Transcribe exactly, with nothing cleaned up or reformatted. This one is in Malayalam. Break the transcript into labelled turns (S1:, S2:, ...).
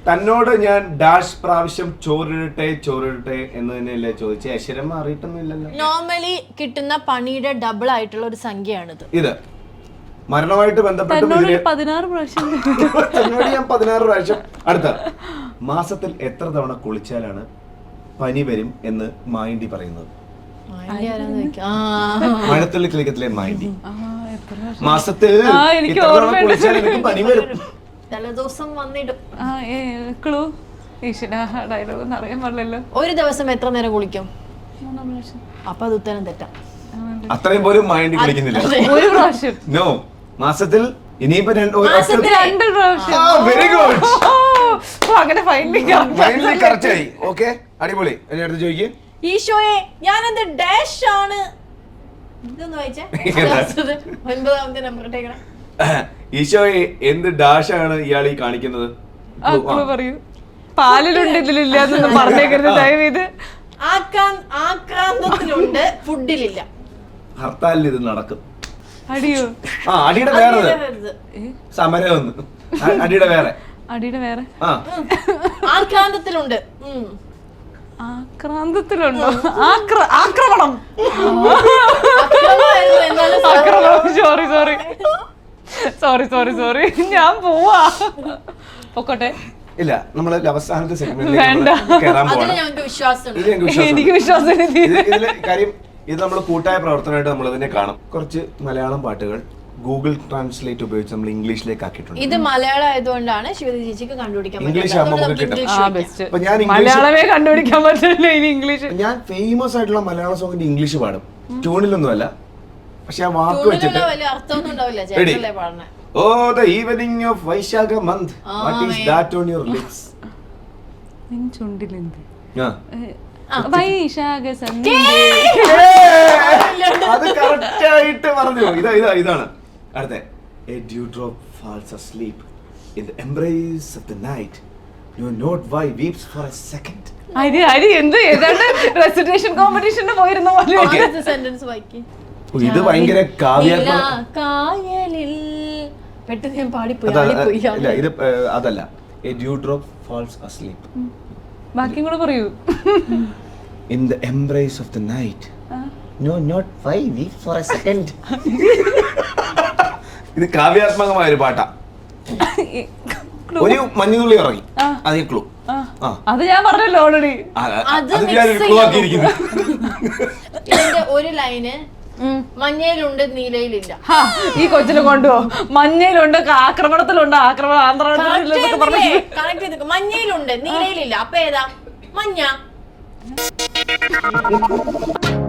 S1: തന്നോട് ഞാൻ ഡാഷ് പ്രാവശ്യം ചോറിടട്ടെ ചോറിടട്ടെ എന്ന് തന്നെയല്ലേ ചോദിച്ചേ? അക്ഷരം മാറിയിട്ടൊന്നുമില്ലല്ലോ.
S2: നോർമലി കിട്ടുന്ന പണിയുടെ ഡബിൾ ആയിട്ടുള്ള ഒരു സംഖ്യയാണിത്.
S1: ഇത് മരണമായിട്ട് ബന്ധപ്പെട്ട്
S3: പതിനാറ് പ്രാവശ്യം
S1: തന്നോട് ഞാൻ പതിനാറ് പ്രാവശ്യം. അടുത്ത മാസത്തിൽ എത്ര തവണ കുളിച്ചാലാണ് പനി വരും എന്ന് മായിണ്ടി പറയുന്നത്? മഴത്തുള്ളി കിളിക്കത്തിലെ മായിണ്ടി. മാസത്തിൽ എത്ര തവണ കുളിച്ചാൽ എനിക്ക് പനി വരും?
S2: തലേദിവസം വന്നിടും.
S3: അറിയാൻ പാടില്ലല്ലോ.
S2: ഒരു ദിവസം എത്ര നേരം കുളിക്കും? അപ്പൊ അത് ഉത്തരം തെറ്റാം.
S1: അത്രയും പോലും മൈൻഡ് കുളിക്കുന്നില്ല.
S3: ഒരു പ്രാവശ്യം.
S1: നോ, മാസത്തിൽ ഇനിയിപ്പോ
S3: രണ്ട് പ്രാവശ്യം.
S1: Very good.
S3: അങ്ങനെ
S1: ഫൈനലി കറക്റ്റ് ആയി. ഓക്കെ, അടിപൊളി. എന്നെ അടുത്ത് ചോദിക്കേ.
S2: ഈശോയെ ഞാനെന്ത് ഡാഷ് ആണ്? ഇതൊന്ന് വായിച്ചേ. ഒൻപതാമത്തെ നമ്പർ ഇട്ടേക്കണം.
S1: ഈശോയെ എന്ത് ഡാഷ് ആണ് ഇയാൾ ഈ കാണിക്കുന്നത്?
S3: പറയൂ. പാലിലുണ്ട് ഇതിലില്ല എന്നൊന്നും പറഞ്ഞേക്കരുത് ദയവേത്.
S2: ആക്രാന്തത്തിലുണ്ട്, ഫുഡിലില്ല.
S1: ഹർത്താലിൽ ഇത് നടക്കും.
S3: അടിയോ?
S1: ആ, അടിയുടെ വേറെ സമരം ഒന്ന്. അടിയുടെ വേറെ
S3: അടിയുടെ വേറെ
S2: ആക്രാന്തത്തിലുണ്ട്.
S3: ആക്രാന്തത്തിലുണ്ടോ? ആക്രമണം. Sorry sorry sorry sorry sorry ഞാൻ പോവാ. പൊക്കോട്ടെ.
S1: ഇല്ല, നമ്മള് അവസാനത്തെ സെഗ്മെന്റിൽ
S3: എനിക്ക് വിശ്വാസം.
S1: കാര്യം ഇത് നമ്മൾ കൂട്ടായ പ്രവർത്തനമായിട്ട് നമ്മൾ ഇതിനെ കാണും. കുറച്ച് മലയാളം പാട്ടുകൾ ഗൂഗിൾ ട്രാൻസ്ലേറ്റ് ഉപയോഗിച്ച് നമ്മൾ ഇംഗ്ലീഷിലേക്ക് ആക്കിയിട്ടുണ്ട്.
S2: ഇത് മലയാളം ആയതുകൊണ്ടാണ് ശിവതി ചേച്ചിക്ക് കണ്ടുപിടിക്കാൻ
S1: ഇംഗ്ലീഷ്
S3: മലയാളമേ കണ്ടുപിടിക്കാൻ പറ്റില്ല. ഇനി ഇംഗ്ലീഷ്.
S1: ഞാൻ ഫേമസ് ആയിട്ടുള്ള മലയാള സോങ്ങിന്റെ ഇംഗ്ലീഷ് പാടും. ട്യൂണിലൊന്നുമല്ല, പക്ഷെ ആ വാക്ക് വെച്ചിട്ട്. Oh, the evening of Vaishakha month. What is that on your lips?
S3: നിൻ ചുണ്ടിലെന്ത്?
S1: ആ,
S3: വൈശാഖ സന്ധ്യ.
S1: അത് കറക്റ്റ് ആയിട്ട് പറഞ്ഞു. ഇതാ ഇതാ ഇതാണ് അടുത്ത. A dewdrop falls asleep in the embrace of the night. No not why weeps for a second.
S3: അരി അരി എന്ത് ഏതാണ്ട് റെസിറ്റേഷൻ കോമ്പറ്റീഷന് പോയിരുന്ന പോലെ
S2: സെന്റൻസ് വായിക്കി.
S1: ഇത് ഭയങ്കര കാവ്യാത്മക.
S2: കായലിൽ പെട്ടെന്ന് ഞാൻ പാടിപ്പോയി.
S1: ഇല്ല, ഇത് അതല്ല. A dewdrop falls asleep.
S3: ബാക്കിയും കൂടെ പറയൂ.
S1: In the embrace of the night. No not why weep for a second. ഇത് കാവ്യാത്മകമായ ഒരു പാട്ടാ. ഒരു മഞ്ഞുതുള്ളി ഇറങ്ങി. അതേ ക്ലൂ.
S3: അത് ഞാൻ പറഞ്ഞല്ലോ ഓൾറെഡി.
S2: ഇതിന്റെ ഒരു ലൈന് മഞ്ഞയിലുണ്ട് നീലയിലില്ല.
S3: ഈ കൊച്ചിനെ കൊണ്ടുപോ. മഞ്ഞയിലുണ്ട്, ആക്രമണത്തിലുണ്ട്, ആക്രമണം ആന്ധ്ര.
S2: മഞ്ഞയിലുണ്ട് നീലയിലില്ല. അപ്പൊ ഏതാ? മഞ്ഞ.